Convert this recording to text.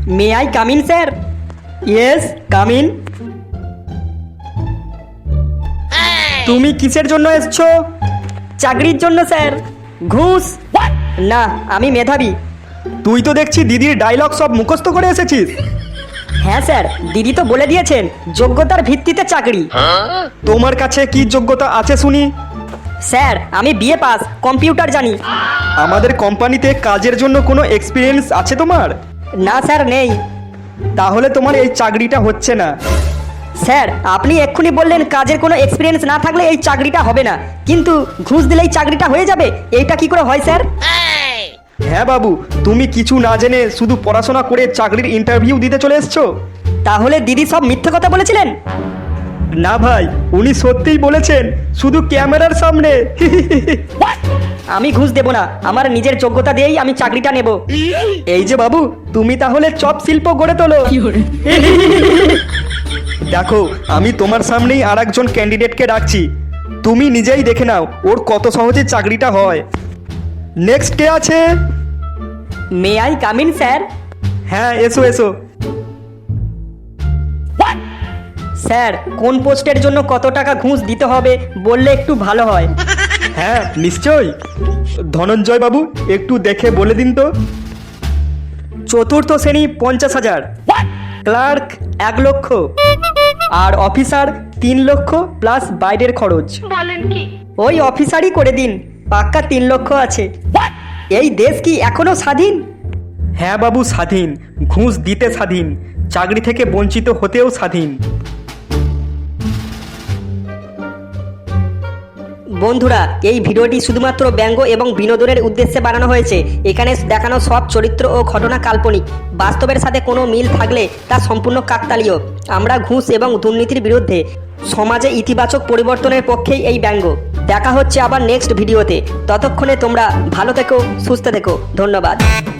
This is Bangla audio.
May I come in sir? Yes, come in. তুমি কিসের জন্য এসছো? চাকরির জন্য স্যার। ঘুষ? না, আমি মেধাবী। তুই তো দেখছি দিদির ডায়লগ সব মুখস্থ করে এসেছিস। হ্যাঁ স্যার, দিদি তো বলে দিয়েছেন যোগ্যতার ভিত্তিতে চাকরি। তোমার কাছে কি যোগ্যতা আছে শুনি? স্যার, আমি বিএ পাস, কম্পিউটার জানি। আমাদের কোম্পানিতে কাজের জন্য কোনো এক্সপিরিয়েন্স আছে তোমার? না স্যার, নেই। তাহলে তোমার এই চাকরিটা হচ্ছে না। স্যার, আপনি এক্ষুনি বললেন কাজের কোনো এক্সপিরিয়েন্স না থাকলে এই চাকরিটা হবে না, কিন্তু ঘুষ দিলেই চাকরিটা হয়ে যাবে, এইটা কি করে হয় স্যার? হ্যাঁ বাবু, তুমি কিছু না জেনে শুধু পড়াশোনা করে চাকরির ইন্টারভিউ দিতে চলে এসছো। তাহলে দিদি সব মিথ্যে কথা বলেছিলেন? না ভাই, উনি সত্যিই বলেছেন, শুধু ক্যামেরার সামনে। আমি ঘুষ দেব না, আমার নিজের যোগ্যতা দিয়েই আমি চাকরিটা নেব। এই যে বাবু, তুমি তাহলে চপ শিল্প গড়ে তোলো। দেখো, আমি তোমার সামনেই আর একজন ক্যান্ডিডেটকে ডাকছি, তুমি নিজেই দেখে নাও ওর কত সহজে চাকরিটা হয়। নেক্সট কে আছে? May I come in sir? হ্যাঁ, এসো এসো। স্যার, কোন পোস্টের জন্য কত টাকা ঘুষ দিতে হবে বললে একটু ভালো হয়। হ্যাঁ নিশ্চয়ই, ধনঞ্জয় বাবু একটু দেখে বলে দিন তো। চতুর্থ শ্রেণী 50,000, ক্লার্ক 1 লক্ষ, আর অফিসার 3 লক্ষ প্লাস বাইরের খরচ। বলেন কি? ওই অফিসারই করে দিন, পাক্কা 3 লক্ষ আছে। এই দেশ কি এখনো স্বাধীন? হ্যাঁ বাবু, স্বাধীন, ঘুষ দিতে স্বাধীন, চাকরি থেকে বঞ্চিত হতেও স্বাধীন। বন্ধুরা, এই ভিডিওটি শুধুমাত্র ব্যঙ্গ এবং বিনোদনের উদ্দেশ্যে বানানো হয়েছে। এখানে দেখানো সব চরিত্র ও ঘটনা কাল্পনিক, বাস্তবের সাথে কোনো মিল থাকলে তা সম্পূর্ণ কাকতালীয়। আমরা ঘুষ এবং দুর্নীতির বিরুদ্ধে, সমাজে ইতিবাচক পরিবর্তনের পক্ষেই এই ব্যঙ্গ। দেখা হচ্ছে আবার নেক্সট ভিডিওতে। ততক্ষণে তোমরা ভালো থেকো, সুস্থ থেকো। ধন্যবাদ।